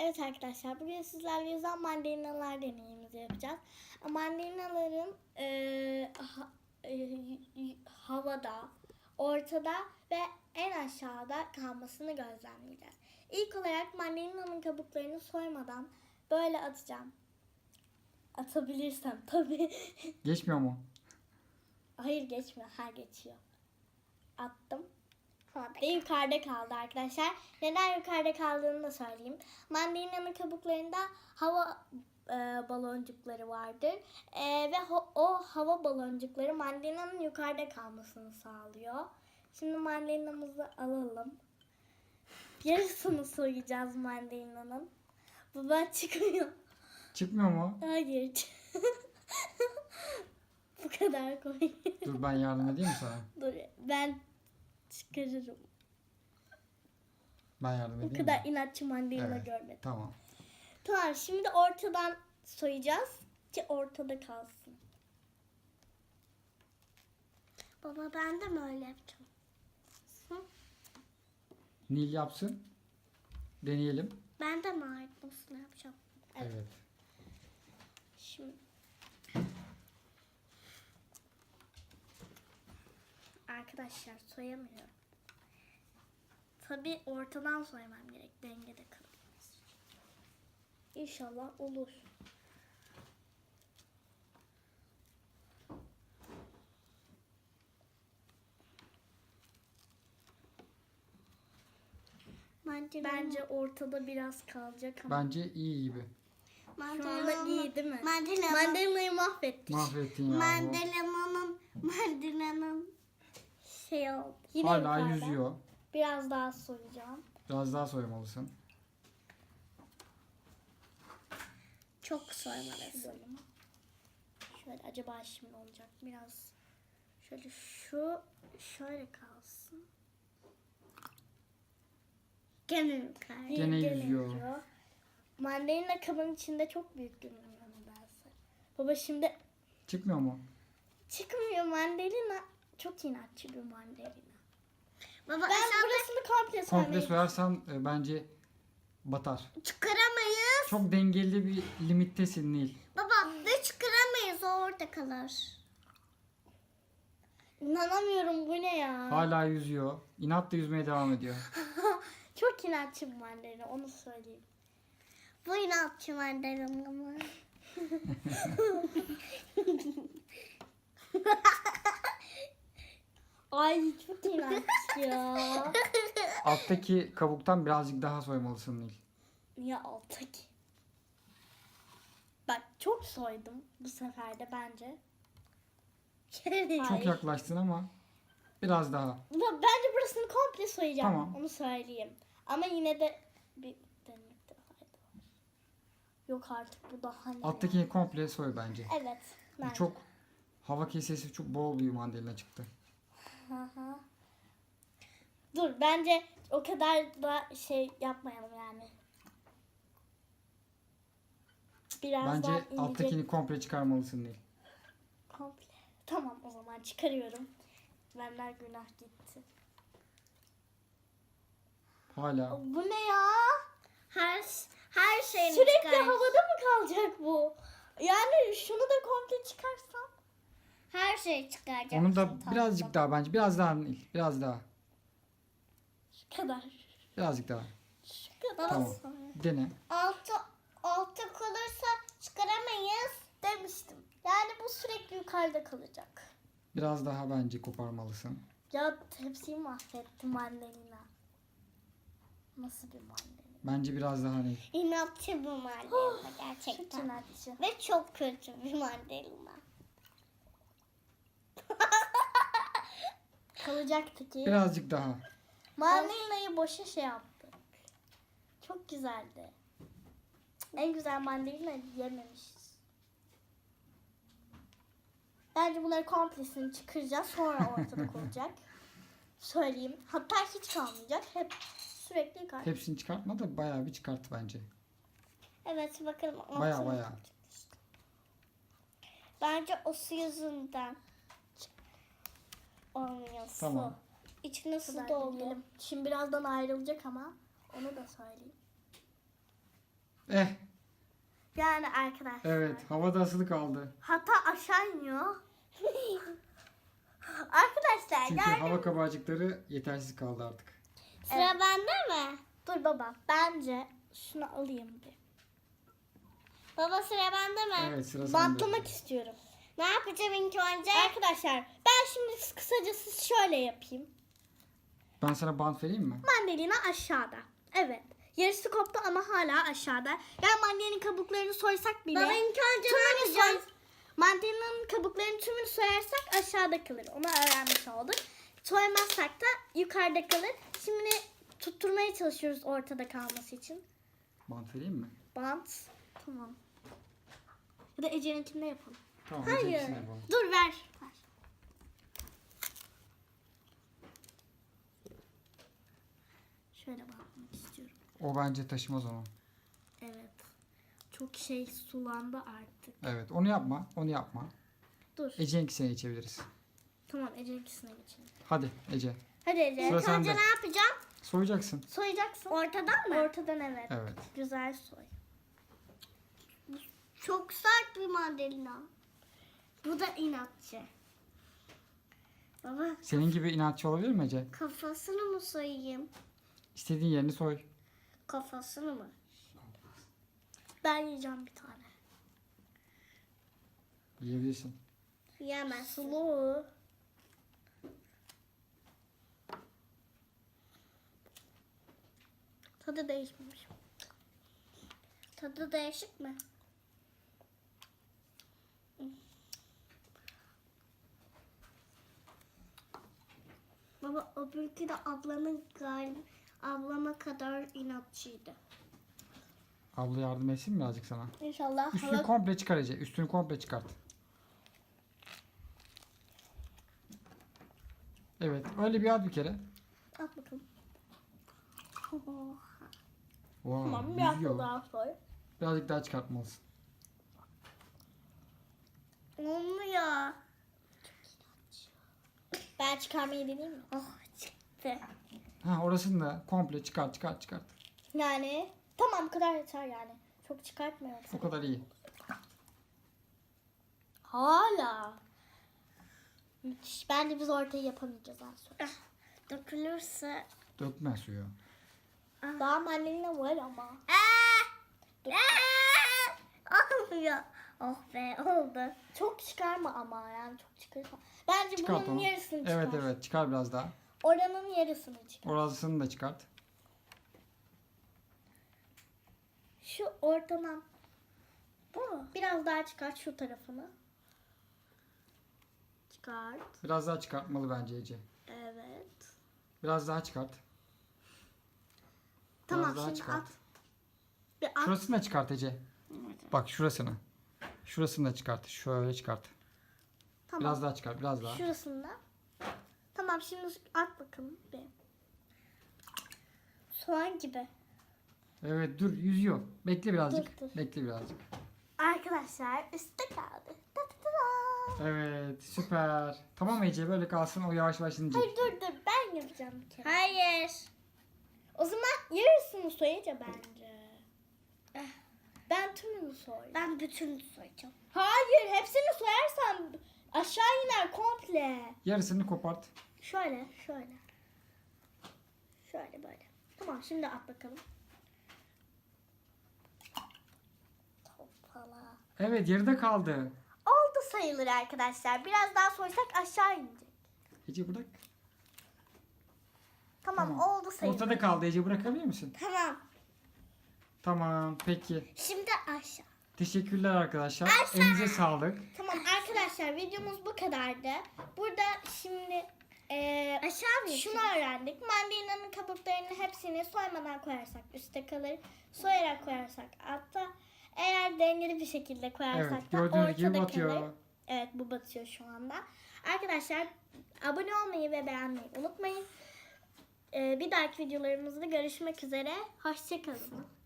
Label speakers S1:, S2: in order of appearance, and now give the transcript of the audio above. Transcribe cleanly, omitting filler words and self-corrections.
S1: Evet arkadaşlar, bugün sizlerle yüzen mandalinalar deneyimizi yapacağız. Mandalinaların havada, ortada ve en aşağıda kalmasını gözlemleyeceğiz. İlk olarak mandalinanın kabuklarını soymadan böyle atacağım. Atabilirsem tabii.
S2: Geçmiyor mu?
S1: Hayır, geçmiyor. Geçiyor. Attım. Ve yukarıda kaldı arkadaşlar. Neden yukarıda kaldığını da söyleyeyim. Mandalina'nın kabuklarında hava baloncukları vardır. Ve o hava baloncukları mandalina'nın yukarıda kalmasını sağlıyor. Şimdi mandalina'mızı alalım. Yarısını soyacağız mandalina'nın. Baba çıkmıyor.
S2: Çıkmıyor mu?
S1: Hayır. Bu kadar koy.
S2: Dur ben yardım edeyim mi sana?
S1: Dur, ben çıkarırım.
S2: Ben yardım edeyim
S1: Bu kadar
S2: mi?
S1: inatçı mandalina
S2: Evet,
S1: görmedim.
S2: tamam.
S1: Tamam, şimdi ortadan soyacağız ki ortada kalsın. Baba, ben de mi öyle yapacağım?
S2: Nil yapsın. Deneyelim.
S1: Ben de mi aynısını yapacağım?
S2: Evet.
S1: Şimdi arkadaşlar, soyamıyorum. Tabii ortadan soymam gerek, dengede kalması için. İnşallah olur. Bence ortada biraz kalacak ama.
S2: Bence iyi gibi.
S1: Şu anda iyi değil mi? Mandalina'yı mahvettik.
S2: Mahvettin ya.
S1: Mandalina'nın şey oldu. Yine
S2: Hala
S1: yukarıda.
S2: yüzüyor.
S1: Biraz daha soyacağım.
S2: Biraz daha soymalısın.
S1: Çok soymalısın. Şöyle, acaba şimdi olacak. Biraz şöyle, şöyle kalsın. Gene yukarı.
S2: Gene yüzüyor.
S1: Mandalina kabın içinde çok büyük görünüyor nedense. Baba, şimdi
S2: Çıkmıyor mu?
S1: çıkmıyor mandalina. Çok inatçı bir mandalina. Baba, ben
S2: Komple
S1: burasını komple
S2: soyarsan bence batar.
S1: çıkaramayız.
S2: Çok dengeli bir limittesin Nil.
S1: Baba, ve çıkaramayız, o orada kalır. İnanamıyorum, bu ne ya?
S2: Hala yüzüyor. İnatla yüzmeye devam ediyor.
S1: Çok inatçı bir mandalina, onu söyleyeyim. Bu inatçı mandalina mı? Ay, çok inatçı ya.
S2: Alttaki kabuktan birazcık daha soymalısın Nil.
S1: Niye alttaki? Bak, çok soydum bu sefer de bence.
S2: Çok yaklaştın ama biraz daha.
S1: Bence burasını komple soyacağım.
S2: Tamam.
S1: Onu söyleyeyim. Ama yine de bir denemekte fayda var. Yok artık, bu daha ne?
S2: Alttakini komple soy bence.
S1: Evet.
S2: Bu
S1: Bence.
S2: çok hava kesesi çok bol bir mandalina çıktı.
S1: Aha. Dur, bence o kadar da şey yapmayalım yani. Biraz daha
S2: Bence
S1: ince.
S2: alttakini komple çıkarmalısın Nil.
S1: Komple. Tamam, o zaman çıkarıyorum. Benden günah gitti.
S2: Hala.
S1: Bu ne ya?
S3: Her şeyini
S1: Sürekli
S3: çıkar.
S1: havada mı kalacak bu? Yani şunu da komple çıkarsam.
S3: Her şeyi çıkaracağım.
S2: Onu da birazcık daha bence. Biraz daha Nil. Biraz daha.
S1: Şu kadar.
S2: Birazcık daha.
S1: Şu kadar.
S2: Tamam. Dene.
S3: Altı kalırsa çıkaramayız.
S1: Demiştim. Yani bu sürekli yukarıda kalacak.
S2: Biraz daha bence koparmalısın.
S1: Ya, hepsini mahvettim mandalina. Nasıl bir mandalina?
S2: Bence biraz daha Nil.
S3: İnatçı bir mandalina
S1: Çok
S3: gerçekten.
S1: inatçı.
S3: Ve çok kötü bir mandalina.
S1: Kalacaktı ki.
S2: Birazcık daha.
S1: Mandalina'yı boşa şey yaptık. Çok güzeldi. En güzel mandalina yememişiz. Bence bunları komplesini çıkaracağız. Sonra ortalık olacak. Söyleyeyim. Hatta hiç kalmayacak. Hep sürekli yukarı.
S2: Hepsini çıkartma da bayağı bir çıkart bence.
S3: Evet, bakalım.
S2: Bayağı.
S3: Bence o su yüzünden olmuyor su.
S2: Tamam.
S3: İçine su
S1: Kadar
S3: doldu.
S1: deneyelim. Şimdi birazdan ayrılacak ama onu da söyleyeyim.
S2: Eh,
S1: Yani arkadaşlar.
S2: evet, havada asılı kaldı.
S1: Hatta aşağı iniyor. Arkadaşlar
S2: Çünkü
S1: yani.
S2: hava kabarcıkları yetersiz kaldı artık.
S3: Sıra
S1: Evet.
S3: bende mi?
S1: Dur baba. Bence şunu alayım bir.
S3: Baba sıra bende mi?
S2: Evet, sıra sende.
S1: Bantlamak istiyorum.
S3: Ne yapacağım ilk önce?
S1: Arkadaşlar ben şimdi kısacası şöyle yapayım.
S2: Ben sana bant vereyim mi?
S1: Mandalina aşağıda. Evet. Yarısı koptu ama hala aşağıda. Yani mandalinin kabuklarını soysak bile.
S3: Baba ilk önce ne
S1: tümünü
S3: yapacağız?
S1: Mandalina'nın kabuklarının tümünü soyarsak aşağıda kalır. Onu öğrenmiş olduk. Soymazsak da yukarıda kalır. Şimdi tutturmaya çalışıyoruz ortada kalması için.
S2: Bant vereyim mi?
S1: Bant. Tamam. Ya da Ece'ninkinde yapalım.
S2: Tamam.
S1: Hayır.
S2: ötekisini yapalım.
S1: Dur ver. Ver. Şöyle bakmak istiyorum.
S2: O bence taşımaz onu.
S1: Evet. Çok şey sulandı artık.
S2: Evet, onu yapma. Onu yapma.
S1: Dur.
S2: Ece'ninkisine geçebiliriz.
S1: Tamam Ece'ninkisine geçelim.
S2: Hadi Ece.
S1: Hadi Ece.
S2: Sıra
S3: İlk önce
S2: sende.
S3: ne yapacağım?
S2: Soyacaksın.
S1: Soyacaksın.
S3: Ortadan mı?
S1: Ortadan evet.
S2: Evet.
S1: Güzel soy.
S3: Çok sert bir mandalina.
S1: Bu da inatçı.
S3: Baba
S2: Senin gibi inatçı olabilir mi Ece?
S3: kafasını mı soyayım?
S2: İstediğin yerini soy.
S3: Kafasını mı?
S1: Ben yiyeceğim bir tane.
S2: Yiyebilirsin.
S3: Yemez.
S1: Sulu. Tadı değişmemiş.
S3: Tadı değişik mi? Baba öbürkü de ablama kadar inatçıydı.
S2: Abla yardım etsin mi birazcık sana?
S1: İnşallah
S2: Üstünü
S1: hala...
S2: komple çıkar Ece. Üstünü komple çıkart. Evet. Öyle bir at bir kere.
S1: At bakalım.
S2: Wow,
S1: Tamam biraz
S2: yüzüyor.
S1: daha soy.
S2: Birazcık daha çıkartmalısın.
S3: Olmuyor.
S1: Ben çıkarmayı deneyeyim mi?
S3: Oh çıktı.
S2: Ha, orasını da komple çıkart.
S1: Yani tamam bu kadar yeter yani. Çok çıkartmıyorum.
S2: O kadar iyi.
S1: Hala. Müthiş. Bence biz ortayı yapamayacağız az sonra.
S3: Dökülürse.
S2: Dökme suyu.
S1: Daha mandalina var ama.
S3: Olmuyor. Oh be oldu.
S1: Çok çıkarma ama yani çok çıkarma. Bence
S2: Çıkart
S1: bunun
S2: onu.
S1: yarısını çıkar.
S2: Evet çıkar biraz daha.
S1: Oranın yarısını çıkar.
S2: Orasını da çıkart.
S1: Şu ortadan. Bu mu? Biraz daha çıkart şu tarafını. Çıkart.
S2: Biraz daha çıkartmalı bence Ece.
S1: Evet.
S2: Biraz daha çıkart.
S1: Tamam
S2: Biraz daha
S1: şimdi
S2: çıkart.
S1: at. Bir at.
S2: Şurasını da çıkart Ece. Bak şurasını. Şurasını da çıkart. Şöyle çıkart.
S1: Tamam.
S2: Biraz daha çıkart. Biraz daha.
S1: Şurasında. Tamam şimdi at bakalım. Bir. Soğan gibi.
S2: Evet dur yüzüyor. Bekle birazcık.
S1: Dur.
S2: Bekle birazcık.
S1: Arkadaşlar üstte kaldı. Ta ta ta ta.
S2: Evet süper. Tamam Ece böyle kalsın o yavaş yavaş inecek.
S1: Hayır dur ben yapacağım bir kere.
S3: Hayır.
S1: O zaman yarısını soyunca bence. Ben tümünü soy.
S3: Ben bütün soyacağım.
S1: Hayır hepsini soyarsan aşağı iner komple.
S2: Yarısını kopart.
S1: Şöyle. Şöyle böyle. Tamam şimdi at bakalım.
S3: Topala.
S2: Evet yarıda kaldı.
S1: Oldu sayılır arkadaşlar. Biraz daha soysak aşağı inecek.
S2: Ece bırak.
S1: Tamam, oldu sayılır.
S2: Ortada kaldı Ece bırakabilir misin?
S3: Tamam.
S2: Tamam peki.
S3: Şimdi aşağı.
S2: Teşekkürler arkadaşlar. Elinize sağlık.
S1: Tamam arkadaşlar videomuz bu kadardı. Burada şimdi
S3: Aşağı mı?
S1: şunu öğrendik. Mandalina'nın kabuklarının hepsini soymadan koyarsak üstte kalır. Soyarak koyarsak altta. Eğer dengeli bir şekilde koyarsak
S2: Evet
S1: da
S2: gördüğünüz gibi
S1: ortada
S2: batıyor.
S1: kalır. Evet bu batıyor şu anda. Arkadaşlar abone olmayı ve beğenmeyi unutmayın. Bir dahaki videolarımızda görüşmek üzere. Hoşçakalın.